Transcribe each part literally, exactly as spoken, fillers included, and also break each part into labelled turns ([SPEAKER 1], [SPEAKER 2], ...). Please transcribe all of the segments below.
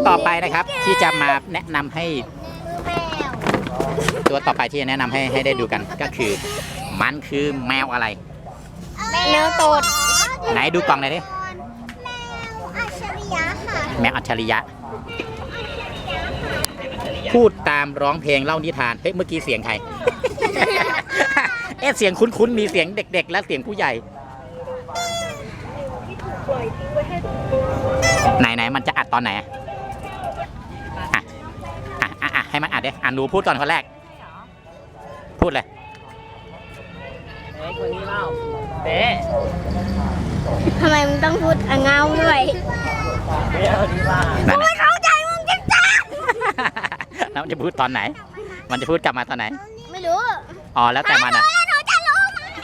[SPEAKER 1] ต่อไปนะครับที่จะมาแนะนำให้ตัวต่อไปที่จะแนะนำให้ให้ได้ดูกันก็คือมันคือแมวอะไร
[SPEAKER 2] แมวตด
[SPEAKER 1] ไหนดูกล่องหน่อยดิ
[SPEAKER 2] แมวอัจฉริยะค่ะ
[SPEAKER 1] แมวอัจฉริยะพูดตามร้องเพลงเล่านิทานเฮ้ยเมื่อกี้เสียงใคร เอ๊ะเสียงคุ้นๆมีเสียงเด็กๆและเสียงผู้ใหญ่ไหนไหนมันจะอัดตอนไหนอ่ะอ่ะอ่ะอ่ะให้มันอัดดิอ่านหนูพูดก่อนคนแรกพูดเลย
[SPEAKER 3] เอ๊ะคนนี้เล่าเอ๊ะ
[SPEAKER 2] ทำไมมึงต้องพูดอ่ะเงาด้วย
[SPEAKER 3] เอ๊ะคนนี้ว่า
[SPEAKER 2] กูไม่เข้าใจมึงจังจัง
[SPEAKER 1] แล้วมันจะพูดตอนไหนมันจะพูดกลับมาตอนไหน
[SPEAKER 2] ไม่รู้
[SPEAKER 1] อ๋อแล้วแต่มันอ่ะ
[SPEAKER 2] หนูจะรู้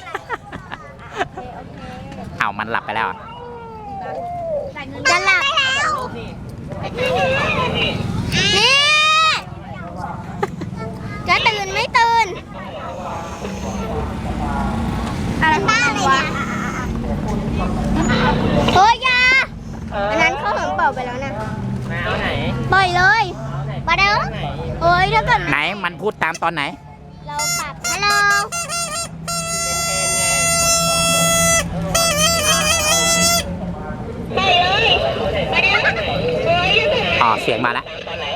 [SPEAKER 1] เอามันหลับไปแล้ว
[SPEAKER 2] จะหลับนี่จะตื่นไม่ตื่นอะไรบ้าเลยวะเฮ้ยยาอันนั้นเขาหอมเป่าไปแล้วนะ
[SPEAKER 3] แมวไหน
[SPEAKER 2] ปล่อยเลยมาเด้อเฮ้ยถ้าเกิด
[SPEAKER 1] ไหนมันพูดตามตอนไหน
[SPEAKER 2] เราปรับฮัลโหล
[SPEAKER 1] อ๋อเสียงมาแล้ว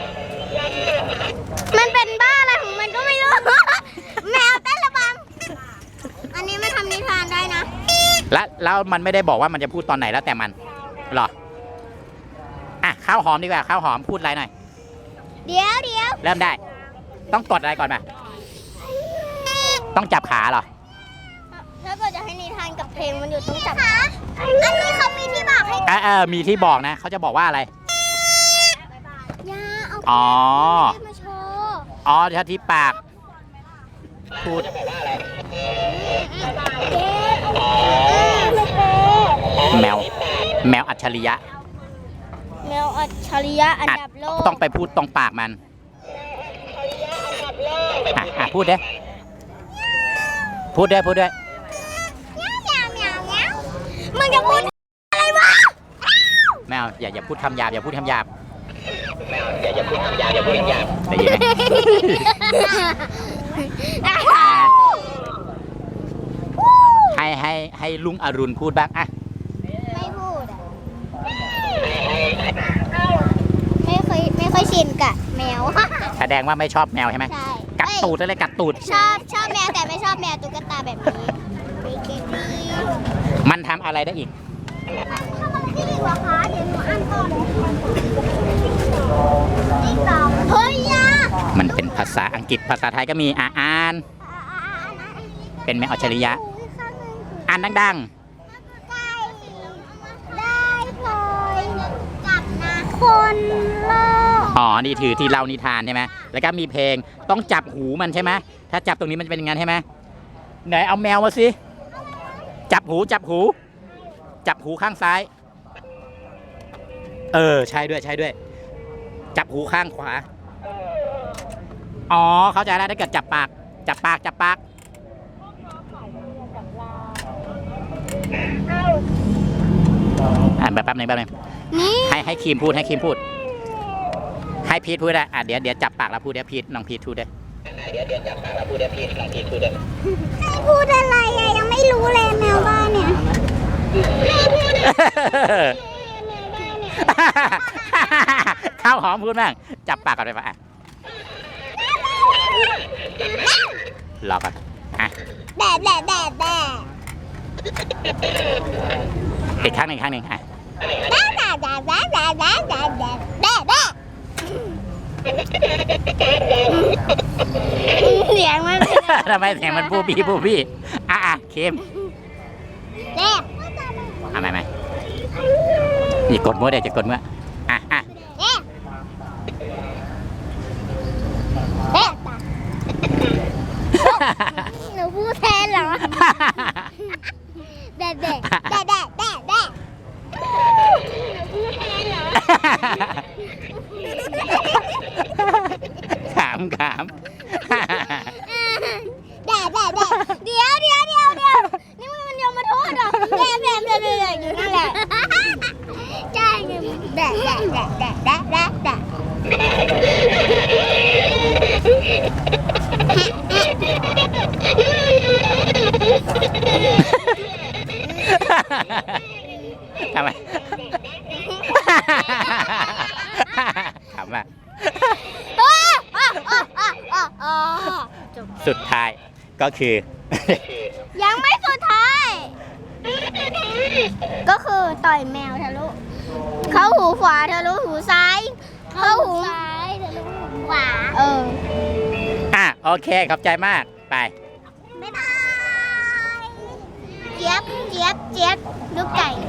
[SPEAKER 2] มันเป็นบ้าอะไรของมันก็ไม่รู้ แมวเต้นระบำอันนี้ไม่ทำนิทานได้นะ
[SPEAKER 1] แล้วแล้วมันไม่ได้บอกว่ามันจะพูดตอนไหนแล้วแต่มันหรออ่ะข้าวหอมดีกว่าข้าวหอมพูดอะไรหน่อย
[SPEAKER 2] เดี๋ยวเดี๋ยว
[SPEAKER 1] เริ่มได้ต้องกดอะไรก่อนมาต้องจับขาเหรอ
[SPEAKER 2] ถ้าเกิดจะให้นิทานกับเพลงมันอยู่ต้องจับขาอันนี้เขามีที่บอกให้
[SPEAKER 1] เออเออมีที่บอกนะเขาจะบอกว่าอะไร
[SPEAKER 2] ยาเอา
[SPEAKER 1] อ๋อ
[SPEAKER 2] มาโชว์
[SPEAKER 1] อ๋อถ้าที่ปากพูดแมวแมวอัจฉริยะ
[SPEAKER 2] แมวอัจฉริยะอันดับโลก
[SPEAKER 1] ต้องไปพูดตรงปากมันอ่ะอ่ะพูดเด้พูดเด้พูดเด้
[SPEAKER 2] มึงจะพูดอะไรวะ
[SPEAKER 1] แมวอย่าอย่าพูดคำหยาบอย่าพูดคำหยาบแมวอย่าอย่าพูดคำหยาบอย่าพูดคำหยาบได้ยินไหมให้ให้ให้ลุงอรุณพูดบ้างอ่ะ
[SPEAKER 2] ไม่พูดไม่เคยไม่ค่อยชินกับแมว
[SPEAKER 1] แสดงว่าไม่ชอบแมวใช่ไหม
[SPEAKER 2] ใช่
[SPEAKER 1] กัดตูดเลยกัดตูด
[SPEAKER 2] ชอบชอบแมวแต่ไม่ชอบแมวตุ๊กตาแบบนี้
[SPEAKER 1] มันทำอะไรได้อีก
[SPEAKER 2] ทำอะไรได้อีกวะคะเดี๋ยวหนูอ่านก่อนติ๊กต๊อกเฮ้ยยา
[SPEAKER 1] มันเป็นภาษาอังกฤษภาษาไทยก็มีอ่านอ่านเป็นแมวอัจฉริยะอ่านดังๆ
[SPEAKER 2] ได้พลอยกับนะคนโลก
[SPEAKER 1] อ๋อนี่ถือที่เล่านิทานใช่ไหมแล้วก็มีเพลงต้องจับหูมันใช่ไหมถ้าจับตรงนี้มันจะเป็นยังไงใช่ไหมไหนเอาแมวมาสิจับหูจับหูจับหูข้างซ้ายเออใช่ด้วยใช่ด้วยจับหูข้างขวาอ๋อเข้าใจแล้วถ้าเกิดจับปากจับปากจับปากอ่าแบบแป๊บนึงแป๊บนึงให้ให้ครีมพูดให้ครีมพูดให้พีทพูดได้อ่ะเดี๋ยวเดี๋ยวจับปากแล้วพูดเดี๋ยวพีทน้องพีทพูดได้เดี๋ยวเดี๋ยวจับปากแล้วพูดเดี๋ยวพีทน้องพีทพูดได้
[SPEAKER 2] ให้พูดอะไรอะยังไม่รู้เลยแมวบ้านเนี่ย
[SPEAKER 1] ข้าวหอมพูดบ้างจับปากก่อนไปปะรอก่อนอ่ะ
[SPEAKER 2] แดดแดดแดดแดด
[SPEAKER 1] อีกครั้งหนึ่งครั้งหนึ่งอ่ะ
[SPEAKER 2] แดดแดดแดดแดดแดดแดดแดดแดดแดดแดดเสียงมัน
[SPEAKER 1] ทำไมเสียงมันปูบี้ปูบี้อ่ะอ่ะเค็ม
[SPEAKER 2] แดด
[SPEAKER 1] อ่ะไม่ไม่อย่ากดมือเดี๋ยวจะกดมืออ่ะอ่ะ
[SPEAKER 2] แดดหนูพูดแทนเหรอแดดแดดแดดแดดแดดแดด
[SPEAKER 1] ขำขำ
[SPEAKER 2] แดดแดดแดดเดี๋ยวเดี๋ยวเดี๋ยวเดี๋ยวนี่มันยอมมาโทษเหรอแดดแดดแดดอยู่นั่นแหละใช่แดดแดดแดดแดดแดดแดด
[SPEAKER 1] ทำไม ขำอ่ะ สุดท้ายก็คือ
[SPEAKER 2] ยังไม่สุดท้าย ก็คือต่อยแมวทะลุ เข้าหูขวาทะลุหูซ้าย เข้าหูซ้ายทะลุหูขวา เออ
[SPEAKER 1] อ่ะโอเคขอบใจมากไป
[SPEAKER 2] บ๊ายบาย เจี๊ยบ เจี๊ยบ เจี๊ยบ ลูกไก่